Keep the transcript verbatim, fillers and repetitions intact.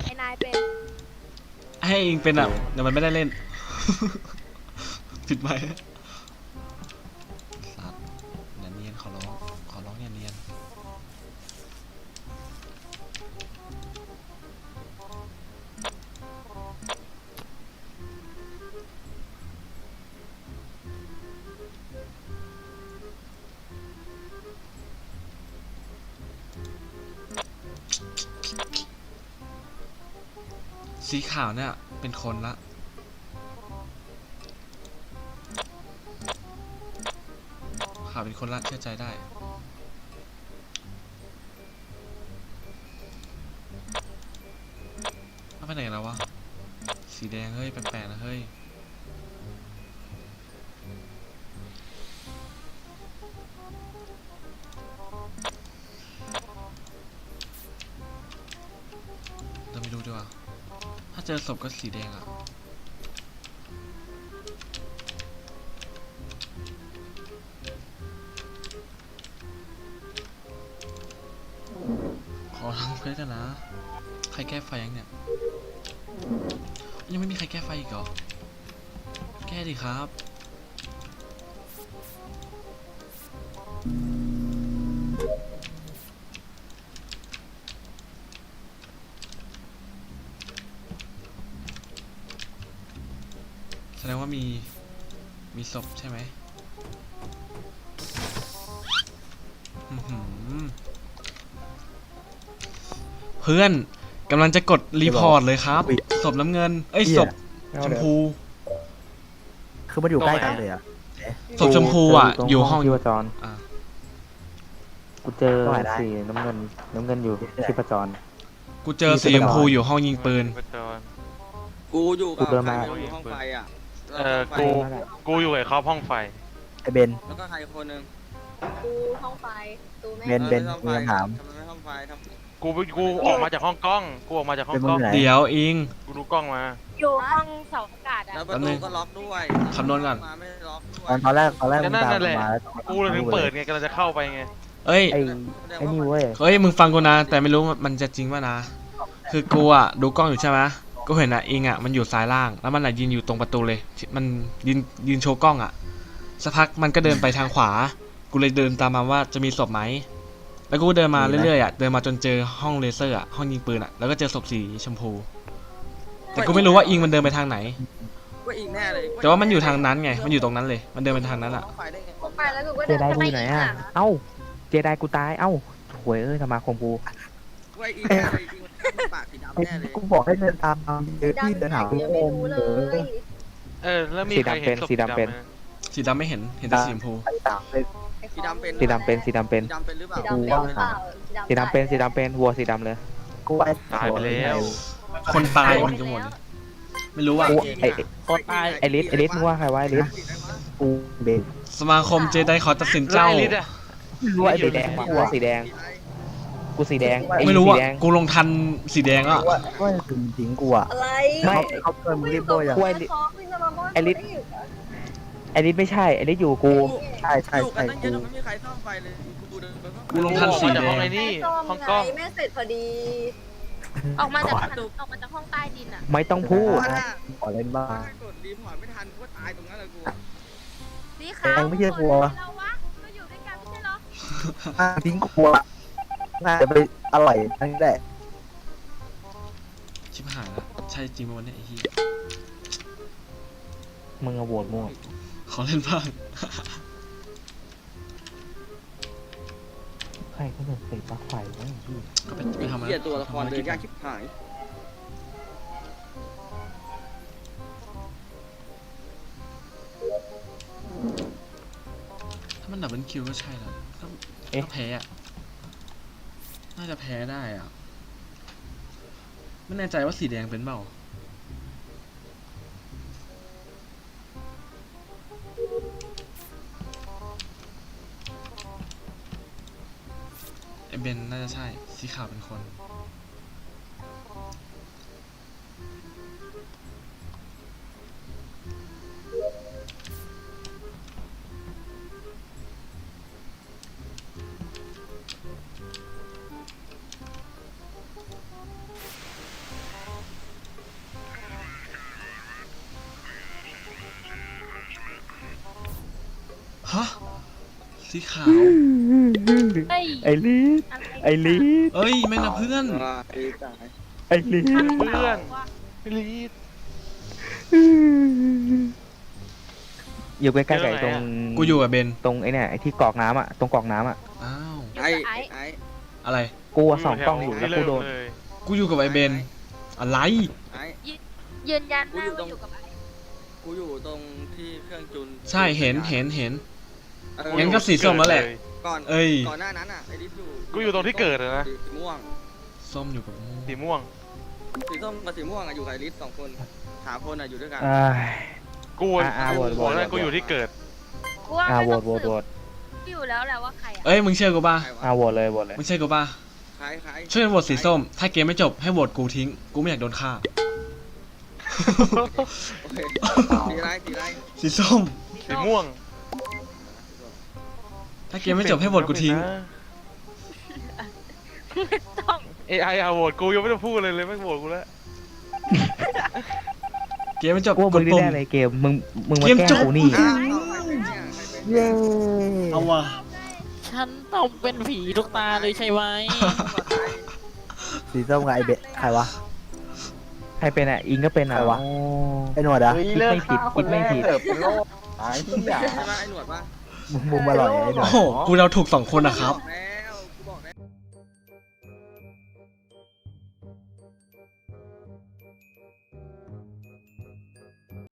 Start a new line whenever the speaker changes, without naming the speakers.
ไอ้นายเป็น
ให้เองเป็นอ่ะเดี๋ยวมันไม่ได้เล่น ผิดไหมสัตว์อย่าเนียนขอร้องขอร้องอย่าเนียนสีขาวเนี่ยเป็นคนละขาวเป็นคนละเชื่อใจได้เอาไปไหนแล้ววะสีแดงเฮ้ยแปลกๆนะเฮ้ยเราไม่รู้ดีกว่าถ้าเจอศพก็สีแดงอ่ะขอทำเควสกันนะใครแก้ไฟยังเนี่ยยังไม่มีใครแก้ไฟอีกเหรอแก้ดิครับแสดงว่ามีมีศพใช่ไหมอื้อหือเพื่อนกำลังจะกดรีพอร์ตเลยครับศพน้ำเงินเอ้ยศพชมพู
คือมันอยู่ใกล้กันเลยอ่ะ
ศพชมพูอ่ะอยู่ห้อง
ชีพจร
อ่ะ
กูเจอสีน้ำเงินน้ำเงินอยู่ชีพจร
กูเจอสีชมพูอยู่ห้องยิงปืน
กูอยู่กับ
กูเดิน
ใคร
มา
ไม่รู้อยู่ห้องไฟอ่ะ
เออกู กูอยู่กับเขาห้องไฟ
ไอเบน
แล้วก็ใครคนหนึ่ง
กูห้องไฟตูแม่
เบนเบน
ออ
มีคำถาม
ทำไมไม่ห้องไฟทำ
กู กูออกมาจากห้องกล้อง กูออกมาจากห้องกล้อง
เป็นมึงไหน
เดี๋ยวอิง
กูดูกล้องมา
อยู่ห้องเสาอากาศอ่ะ
แล้วประ
แป๊บนึ
ตู
ง
ก็ล็อกด้วย
คำนวณก่อน
มาไม่ได้ล็อกด้ว
ตอย นตอนแรกตอนแรก
ก็
มึง
นั่น
ตาม
นั่นแหละ
มาแล้ว
กูเลยถึงเปิดไงกำลังจะเข้าไปไง
เอ้ย
ไอ้ไอ้นี่เว้ย
เฮ้ยมึงฟังกูนะแต่ไม่รู้มันจะจริงป่ะนะ คือกูอ่ะดูกล้องอยู่ใช่ไหมกูเห็นอ่ะอิงอ่ะมันอยู่ซ้ายล่างแล้วมันอ่ะยืนอยู่ตรงประตูเลยมันยืนยืนโชว์กล้องอ่ะสักพักมันก็เดินไปทางขวา กูเลยเดินตามมาว่าจะมีศพไหมแล้วกูก็เดินมาเรื่อยๆอ่ะเดินมาจนเจอห้องเลเซอร์อ่ะห้องยิงปืนอ่ะแล้วก็เจอศพสีชมพู แต่กูไม่รู้ว่าอิงมันเดินไปทางไหน
ว่าอีกแน่เลย
แต่ว่ามันอยู่ทางนั้นไงมันอยู่ตรงนั้นเลยมันเดินไปทางนั้นอ่ะ
ห้องไฟได้ไง
กูไปแล้วกูก็
เจ
เดิน
ได
ทำ
กู
ไม
อยู่ไหน
อีก
อ่ะ
อ่ะ
เอ้าเจไดกูตายเอ้าหวยเอ้ยสมาคมกู
ว่าอีกแน่เลยจริงๆปากสีดำแน่เลย
กูบอกให้เดินตามมาเดี๋ยวพี่เดินหา
ยังไม่รู้เลย
เออ แล้วมีใครเห็นศพสีดำไหม
สีดำไม่เห็นเห็นแต่สีชมพู
ไปตามเลย
สีดำเป็น
สีดำเป็นสีดำเป็น
สีดำเป็นหรือเปล่า
สีดำเป็นหรือเปล่า
สีดำเป็นสีดำเป็นวัวสีดำเลย
กูไอ้
ตายไปแล้ว
คนตายมันจะหมดเลยไม่รู้ว่า
กูไอ้ไอ้ลิสไอ้ลิสมึงว่าใครวะไอ้ลิส
กูเบน
สมาคมเจไดขอตัดสินเจ้า
แล้วไอ้ลิศอะ
รู้ว่าไอ้สีแดงกูว่าสีแดงกูสีแดงไอ้
ไม่รู้
สี
อ่ะ
แดง
กูลงทันสีแดงอ่ะ
ว่าว่าถึงทิ้งกูอ่ะ
อะไร
ไม่
เขาเพิ่มมึงรีบโบยอ่ะ
กล้วย ไอ้ลิศ ไอ้ลิสไม่ใช่ไอ้ลิสอยู่กู
ใช่ใช่
อยู่กั
ใช่
นตั้งเย
กู
อะแต่ไม่มีใครซ่อมไฟเลยกูเดินไป
กูลงทันสี
ออกมาจาก
แด
ห้อง
ง
ไอ้นี่
แม่
ห้องกล้อง
แม่เสร็จพอดี ออกมาจากออกมาจากห้องใต้ดินอ่ะ
ไม่ต้องพูด
ถ้า
ขอเล่นบ้าง
ถ้ากดรีพอร์ตไม่ทันกูก็ตายตรงนั้นเลยกู
สีขาว
เองไม่ใช่กลัว
เราวะก็อยู่ด้วยกันไม่ใช่เหรอ
อ่ะทิ้งกูอ่ะน่าจะไปอร่อยทั้งนั้นแหละ
ชิบหายแล้วใช่จริงไหมวันนี้ไอ้เหี้ย
มึงอะโหวตมั่ว
ขอเล่นบ้าง
ใครก็เดินเตะปลั๊กไฟวะไอ้เหี้ย
ก็ไปไปทำอะไร
เหี้ยตัวละครเดินยากชิบหาย
ถ้ามันดับเบิลคิวก็ใช่แล้วก็ก็แพ้อ่ะน่าจะแพ้ได้อ่ะไม่แน่ใจว่าสีแดงเป็นเปล่าไอเบนน่าจะใช่สีขาวเป็นคนฮะสีขาว
เฮ้ย
ไอลีด
อะไร
ไอลีด
เอ้ยไม่นะเพื่อน
ว่าไอ้ตาย
ไอลีด
เพื่อนพี่ลีด
อยู่ใกล้ๆกับไอ้ตรง
กูอยู่กับเบน
ตรงไอเนี่ยไอที่กรอกน้ำอ่ะตรงกรอกน้ำอ่ะ
อ้าว
อยู่
ไอ้
กับไอ้
ไอ้
อะไร
กูอะส่องกล้องอยู่แล้วกูโดน
เลย
กูอยู่กับไอเบนอะไร
ไอ้
ยืนยันหน้าว่าอยู่กับไอ้
กูอยู่ตรงที่เครื่องจูน
ใช่เห็นเห็นเห็น
เออ
งั้นก็สีส้มแล้วแหละ
ก่อน
เอ้ย
ก่อนหน้านั้นอ่ะไอ้ดิฟอยู่
กูอยู่ตรงที่เกิดอะนะ
สีม่วง
ส้มอยู่กับม่วง
สีม่วง
สีส้มกับสีม่วงอะอยู่กับไอ้ลิสสองคนสามคนอะอยู่ด้วยกัน
อ่า
กู
อ่ะอ่ะโหวตโหวต
บอกแล้วกูอยู่ที่เกิด
กูว่า
อ่า
ไม่
โหว
ต้อ
ต
ง
โหวต
สื
โหว
บ
ต
อยู่แล้วแหละว่าใครอ่ะ
เอ้ยมึงเชื่อกูป่ะ
ใครวะ
อ่าโหวตเลยโหวตเลย
มึงเชื่อกูป่ะ
ใครใคร
ช่วยโหวตสีส้ม ถ้าเกมไม่จบให้โหวตกูทิ้ง กูไม่อยากโดนฆ่า
โอเคสีอะไรสีอะไร
สีส้ม
สีม่วง
ถ้าเกมไม่จบให้โหวตกูทิ้ง
ต้อง
เอไอเอาโหวตกูยังไม่ต้องพูดเลยเลยไม่โหวตกูแล้ว
เกมไม่จบ
กูว่ามึ
ก
ง
ด
นี่
ปุ่ม
แน่เลยเกมมึงมึงมา
เกม
แกล้ง
จบ
กูนี่
อ้าวเอาใครเป็นเนี่ยใครเป็น
เย้
เอาว่ะ
ฉันต้องเป็นผีทุกตาเลยใช่ไหม
สีส้มกับไอเบะใครวะ
ใครเป็นอ่ะอิงก็เป็นอ่ะ
ใครวะ
โอ้
ไอหนวดอะ
คิดไม่ผิดคิดไม่ผิด
เป็นโรคตายที่อยา
ใช่ไหมไอ้หนวดปะ
มุมมุมอร่อยไอหนว
โอ้
ด
โห กูเราถูกสองคนนะครับ
แล้